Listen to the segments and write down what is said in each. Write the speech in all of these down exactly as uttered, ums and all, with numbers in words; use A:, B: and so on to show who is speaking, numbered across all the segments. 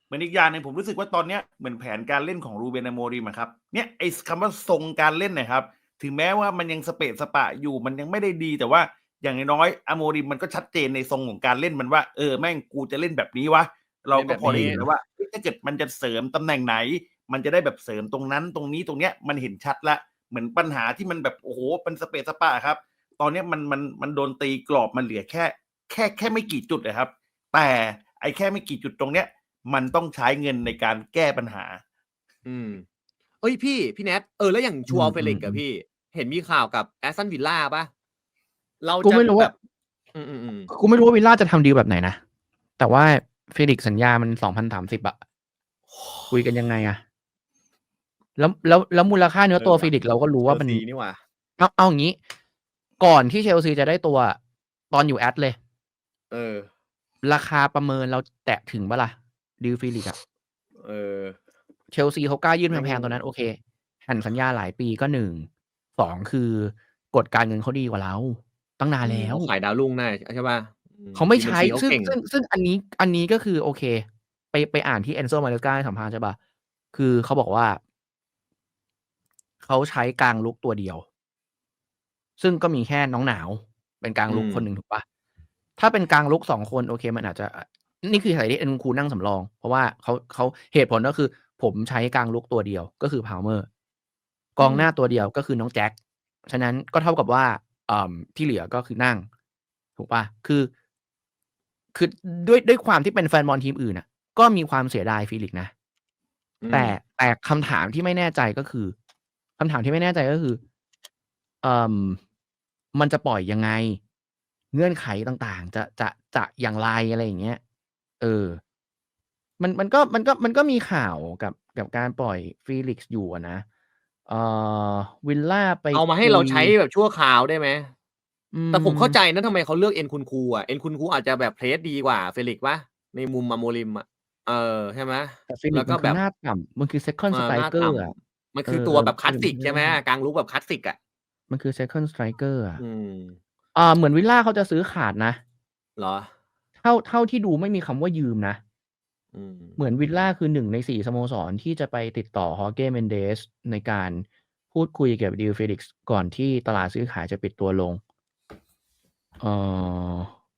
A: เหมือนอีกอย่างหนึ่งผมรู้สึกว่าตอนเนี้ยเหมือนแผนการเล่นของ Ruben Amorim อะครับเนี่ยไอ้คำว่าทรงการเล่นเนี่ยครับถึงแม้ว่ามันยังสเปะสปะอยู่มันยังไม่ได้ดีแต่ว่าอย่างน้อยๆ Amorim มันก็ชัดเจนในทรงของการเล่นมันว่าเออแม่งกูจะเล่นแบบนี้วะเราก็พอได้เห็นแล้วว่าถ้าเกิดมันจะเสริมตำแหน่งไหนมันจะได้แบบเสริมตรงนั้นตรงนี้ตรงเนี้ยมันเห็นชัดแล้วเหมือนปัญหาที่มันแบบโอ้โหเป็นสเปะสปะครับตอนนี้มันมันมันโดนตีกรอบมันเหลือแค่แค่แค่ไม่กี่จุดนะครับแต่ไอ้แค่ไม่กี่จุดตรงเนี้ยมันต้องใช้เงินในการแก้ปัญหา
B: อืมเอ้ยพี่พี่แนทเออแล้วอย่างชัวเฟลิกอะพี่เห็นมีข่าวกับแอสตันวิลล่าป่ะเราจะแบบอืมอืมอืม
C: กูไม่รู้ว่าวิลล่าจะทำดีลแบบไหนนะแต่ว่าเฟลิกสัญญามันสองพันสามสิบอะคุยกันยังไงอะแล้วแล้วแล้วมูลค่าเนื้อตัวเฟลิกเราก็รู้ว่ามันนี่ว่าเอาเอาอย่างนี้ก่อนที่เชลซีจะได้ตัวตอนอยู่แอดเลย
B: เออ
C: ราคาประเมินเราแตะถึงปะล่ะดิวเฟลิกอะ
B: เออ
C: เชลซีเขากล้ายื่นแพงๆตอนนั้นโอเคแผ่นสัญญาหลายปีก็หนึ่งสองคือกฎการเงินเขาดีกว่าเราตั้งนานแล้ว
B: ขายดาวรุ่งได้ใช่ป่ะ
C: เขาไม่ใช้ซึ่งซึ่งซึ่งอันนี้อันนี้ก็คือโอเคไปไปอ่านที่เอนโซมาเลสกาให้สัมภาษณ์ใช่ป่ะคือเขาบอกว่าเขาใช้กลางลุกตัวเดียวซึ่งก็มีแค่น้องหนาวเป็นกลางลุกคนหนึ่งถูกป่ะถ้าเป็นกลางลุกสองคนโอเคมันอาจจะนี่คือสาเหตุที่เอ็นคูนั่งสำรองเพราะว่าเขาเขาเหตุผลก็คือผมใช้กลางลุกตัวเดียวก็คือพาวเมอร์กองหน้าตัวเดียวก็คือน้องแจ็คฉะนั้นก็เท่ากับว่าอ่าที่เหลือก็คือนั่งถูกป่ะคือคือด้วยด้วยความที่เป็นแฟนบอลทีมอื่นน่ะก็มีความเสียดายฟีลิกนะแต่แต่คำถามที่ไม่แน่ใจก็คือคำถามที่ไม่แน่ใจก็คือเอ่อมันจะปล่อยยังไงเงื่อนไขต่างๆจะจะจะอย่างไรอะไรอย่างเงี้ยเออมันมันก็มันก็มันก็มีข่าวกับกับการปล่อยฟีลิกซ์อยู่อะนะเอ่อวิลล่าไป
B: เอามาให้เราใช้แบบชั่วคราวได้ไหมแต่ผมเข้าใจ
C: อืม
B: นะทำไมเขาเลือกเอ็นคุณคูอ่ะเอ็นคุณคูอาจจะแบบเพลสดีกว่าเฟลิกซ์ป่ะในมุมอาโมริมอะเออใช่ไหม
C: แต่ฟีลิ
B: แล้วก็แบบ
C: กซ์มันคือหน้าต่ำมันคือ second
B: เออหน้า
C: striker
B: ต่
C: อะ
B: ำมัน
C: เอ
B: คือตัวแบบคลาสสิกใช่ไหม
C: อๆ
B: กลางลุกแบบคลาสสิกอะ
C: มันคือ second striker อะ
B: อืม
C: อ่าเหมือนวิลล่าเขาจะซื้อขาดนะ
B: เหรอ
C: เท่าเท่าที่ดูไม่มีคำว่ายืมนะ
B: อืม
C: เหมือนวิลล่าคือหนึ่งในสี่สโมสรที่จะไปติดต่อ Jorge Mendes ในการพูดคุยกับ João Felix ก่อนที่ตลาดซื้อขายจะปิดตัวลงเอ่อ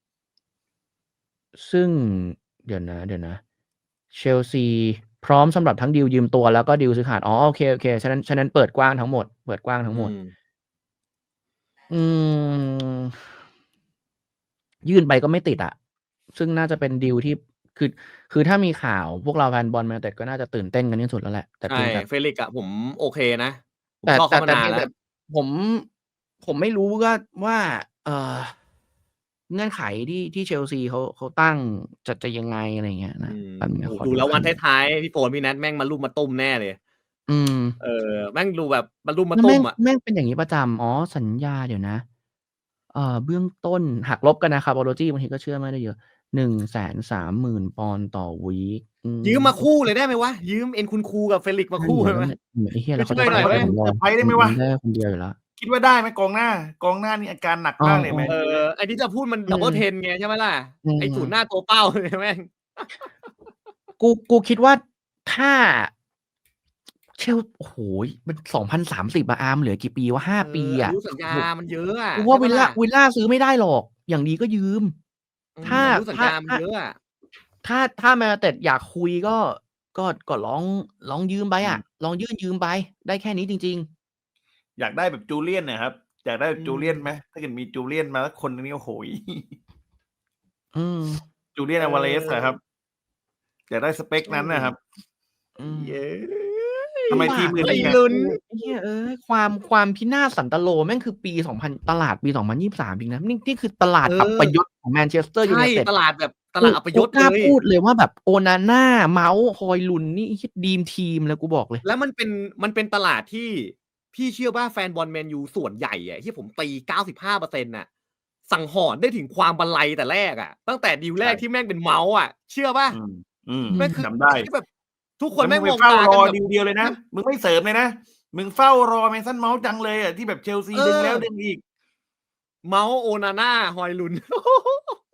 C: ซึ่งเดี๋ยวนะเดี๋ยวนะเชลซีพร้อมสำหรับทั้งดีลยืมตัวแล้วก็ดีลซื้อขาดอ๋อโอเคโอเคฉะนั้นฉะนั้นเปิดกว้างทั้งหมดเปิดกว้างทั้งหมด
B: อืม
C: อืมยื่นไปก็ไม่ติดอะซึ่งน่าจะเป็นดีลที่คือคือถ้ามีข่าวพวกเราแฟนบอลแมนยูไนเต็ดก็น่าจะตื่นเต้นกันที่สุดแล้วแหละแต่
B: ใช่
C: เพียงแต่
B: เฟลิกอะผมโอเคนะผม
C: แต่
B: ชอบ
C: แต่
B: เขามานานแล้ว
C: แต่เพียงแต่ผมผมไม่รู้ว่าว่าเอ่อเงื่อนไขที่ที่เชลซีเขาเขาตั้งจะจะยังไงอะไรอย่างเงี้ยนะ
B: อืม
C: แป๊บนึงนะ
B: โอ้โฮ
C: ขอดู
B: ดูแล้ววัน
C: คำ
B: ท้ายๆพี่โฟนพี่ Nat แม่งมารุมมาตุ้มแน่เลย
C: อืม
B: เออแม่งดูแบบมารุมมา
C: แล้วแม่ง
B: ตุ้มอะ
C: แม่งเป็นอย่างงี้ประจำอ๋อสัญญาเดี๋ยวนะเอ่อเบื้องต้นหักลบกันนะครับ Apology บางทีก็เชื่อไม่ได้เยอะ หนึ่งแสนสามหมื่น ปอนด์ต่อวีกอื
B: ยืม
C: ม
B: มาคู่เลยได้ไหมวะยืมเอ็นคุณคูกับเฟลิกซ์มา
C: นั่น
B: คู่
C: เดี๋ยวแล้ว
B: ได้ไหม
C: เนี่ยไอ้เหี้ยแล้วเขา
B: ช่วยๆหน่อยไหม
C: จะขายตัวสำรอง
A: เซอร์ไพรส์ได้ไหม
C: มั
A: วะ
C: นได้คนเดียวอยู่แล้ว
A: คิดว่าได้ไหมกองหน้ากองหน้านี่อาการหนัก
C: อ้อ
A: มากเลยแมน
B: เอ
A: ยู
B: อ
A: เนี่ย
B: ไอ้ที่จะพูดมัน
C: อืม
B: Double Ten ไงใช่ไหมล่ะ
C: อื
B: ไอ้ศูนย์หน้า
C: ม
B: ตัวเป้าเนี่ยแม่ง
C: กูกูคิดว่าถ้าเชลโอ้โฮมันสองพันสามสิบอะอาร์มเหลือกี่ปีวะห้า
B: เอ
C: ปี
B: ออา
C: อะ
B: ยุสัญญา
C: โอ้โฮ
B: มันเยอะอะ
C: กูว่าวิลล่า
B: ใช่เปล่าล่ะ
C: วิลล่าซื้อไม่ได้หรอกอย่างดีก็ยืมถ้า
B: อืมอายุสัญ
C: ถ้า
B: ญามัน
C: ถ้า
B: เยอะอะ
C: ถ้าถ้าแมนยูไนเต็ดอยากคุยก็ก็ก็ลองลองยืมไป
A: อืม
C: อะลองยื่นยืมไปได้แค่นี้จริง
A: อยากได้แบบจูเลียนน่ะครับอยากได้แบบ
B: อื
A: จูเลียนไหม
B: ม
A: ถ้าเกิดมีจูเลียนมาสักคนหนึ่งนี่โอ้โฮ
C: ๆอืม
A: จูเลียน
B: เอ
A: Alvarez อะครับ
B: อ
A: อยากได้สเปก
B: โอ้
A: นั้นน่ะครับ
C: อืม
B: เย้
A: ทำไม
C: ลำบากเลย
A: ทีมอื่นยังไง
B: ลุ้น
C: ไอ้เหี้ยเอ้ยความความพินาศสันตโลแม่งคือปีสองพันตลาดปีสองพันยี่สิบสามจริงนะนี่นี่คือตลาด
B: เอ
C: อัป
B: อ
C: ยศของแมนเชสเตอร์ยู
B: ใช่
C: ไนเต็ด
B: ตลาดแบบต
C: กู
B: ลาดอัปย
C: กูกล้า
B: ศเลย
C: พูดเลยว่าแบบโอนาน่าเมาส์ฮอยลุนนี่ดีมทีมเลยกูบอกเลย
B: แล้วมันเป็นมันเป็นตลาดที่พี่เชื่อว่าแฟนบอลแมนยูส่วนใหญ่อะที่ผมตี เก้าสิบห้าเปอร์เซ็นต์ น่ะสังหรณ์ได้ถึงความบันไลแต่แรกอะตั้งแต่ดีลแร
A: ใช่
B: กที่แม่งเป็นเมาส์อะเชื่อเปล่า
A: อืมอืม
C: อืม
B: แม่งคือ
A: จำได้
B: ที่แบบทุกคน
A: แล้วมึงไป
B: แม่งมอง
A: เฝ้ารอ
B: ตากันแบบ
A: ดีลเดียวเลยนะ
B: ฮะ
A: มึงไม่เสริมเลยนะมึงเฝ้ารอ Mason Mount จังเลยอะที่แบบเชลซี
B: เอ
A: ดึงแล้ว
B: อ
A: ดึงอีก
B: เมาส์ Onana ฮอยลุน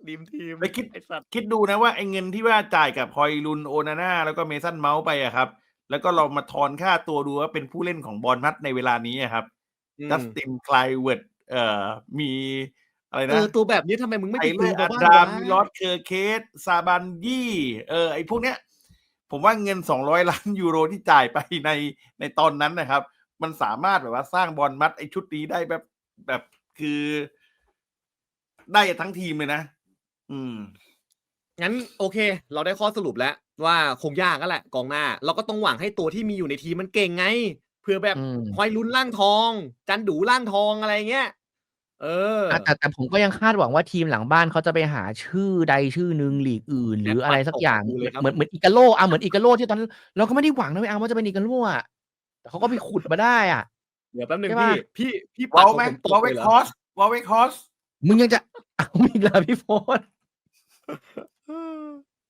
B: ดีมทีม
A: แล้วคิด
B: ไอ้สัตว์
A: คิดดูนะว่าไอ้เงินที่ว่าจ่ายกับฮอยลุนโอนาน่าแล้วก็เมสันเมาส์ไปอะครับ แล้วก็เรามาทอนค่าตัวดูว่าเป็นผู้เล่นของบอลมัดในเวลานี้อะครับ
B: อื
A: จัส
B: ม
A: ติน ไคลเวิร์ดเอ่อมีอะไร
B: เอ
A: นะ
B: อ ตัวแบบนี้ทำไมมึงไม่
A: ไท
B: ไป
A: เล
B: ซื้
A: อ
B: อ
A: ร์
B: มา
A: อั
B: บ้าง
A: ดราว
B: ะ
A: มิลอส เคอร์เคส ซาบันยี่ เออ ไอ้พวกเนี้ย ผมว่าเงิน สองร้อยล้าน ยูโรที่จ่ายไปใน ในตอนนั้นนะครับ มันสามารถแบบว่าสร้างบอลมัดไอ้ชุดนี้ได้แบบ แบบคือ ได้ทั้งทีมเลยนะ อืม
B: งั้นโอเค เราได้ข้อสรุปแล้วว่าคงยากแล้วแหละกองหน้า เราก็ต้องหวังให้ตัวที่มีอยู่ในทีมมันเก่งไง เผื่อแบบ
C: อืม
B: ฮอยลุนร่างทอง จันดูร่างทองอะไรเงี้ย เออ
C: อะ แต่ แต่ผมก็ยังคาดหวังว่าทีมหลังบ้านเขาจะไปหาชื่อใดชื่อหนึ่งลีกอื่น หรืออะไรสักอย่าง
B: แอดปัดตกกูเลยครับ
C: เหมือน เหมือนอิกาโล อะ เหมือนอิกาโลที่ตอนนั้น เราก็ไม่ได้หวังนะเว้ยอาร์มว่าจะเป็นอิกาโลอะ แต่เขาก็ไปขุดมาได้อะ
B: เดี๋ยวแป๊บหนึ่ง
C: ใช่เป
B: พี่
C: ล่า?
B: พี่ พี่
A: ว
B: ปัด
A: อล
B: ของ
A: แม็
B: ผ
A: ก
B: มต
A: วอล
B: ก
A: เว
B: เลย
A: ก
B: เหรอ?
A: ฮอร์ส วอลเวกฮอร์ส
C: มึงยังจะ เอาอีกเหรอพี่โฟร์ธ?